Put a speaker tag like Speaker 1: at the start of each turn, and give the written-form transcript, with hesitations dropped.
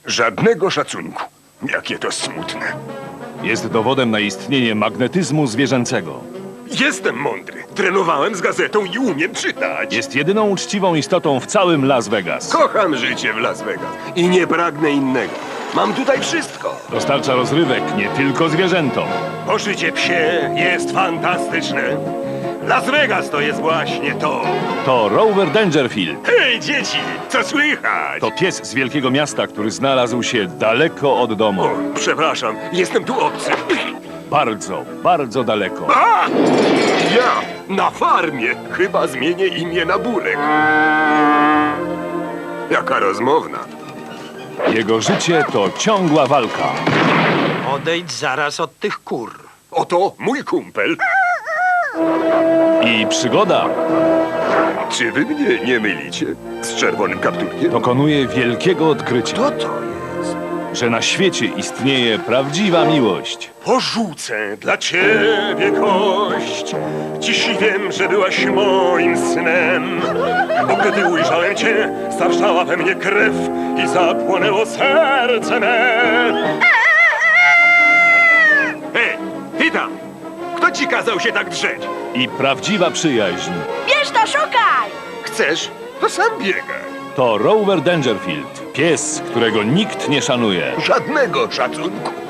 Speaker 1: Żadnego szacunku. Jakie to smutne.
Speaker 2: Jest dowodem na istnienie magnetyzmu zwierzęcego.
Speaker 1: Jestem mądry. Trenowałem z gazetą i umiem czytać.
Speaker 2: Jest jedyną uczciwą istotą w całym Las Vegas.
Speaker 1: Kocham życie w Las Vegas i nie pragnę innego. Mam tutaj wszystko.
Speaker 2: Dostarcza rozrywek nie tylko zwierzętom.
Speaker 1: Poszycie psie jest fantastyczne. Las Vegas to jest właśnie to.
Speaker 2: To Rover Dangerfield.
Speaker 1: Hej, dzieci, co słychać?
Speaker 2: To pies z wielkiego miasta, który znalazł się daleko od domu.
Speaker 1: O, przepraszam, jestem tu obcy.
Speaker 2: Bardzo, bardzo daleko.
Speaker 1: A! Ja na farmie chyba zmienię imię na Burek. Jaka rozmowna.
Speaker 2: Jego życie to ciągła walka.
Speaker 3: Odejdź zaraz od tych kur.
Speaker 1: Oto mój kumpel.
Speaker 2: I przygoda
Speaker 1: Czy wy mnie nie mylicie z czerwonym kapturkiem?
Speaker 2: dokonuje wielkiego odkrycia,
Speaker 1: To jest.
Speaker 2: że na świecie istnieje prawdziwa miłość.
Speaker 1: Porzucę dla ciebie kość. Dziś wiem, że byłaś moim snem. Bo gdy ujrzałem cię, zawrzała we mnie krew i zapłonęło serce me. Hej, ty tam! Kto ci kazał się tak drzeć?
Speaker 2: I prawdziwa przyjaźń
Speaker 4: Bierz to, szukaj!
Speaker 1: Chcesz? To sam biegaj.
Speaker 2: to Rover Dangerfield. Pies, którego nikt nie szanuje.
Speaker 1: Żadnego szacunku.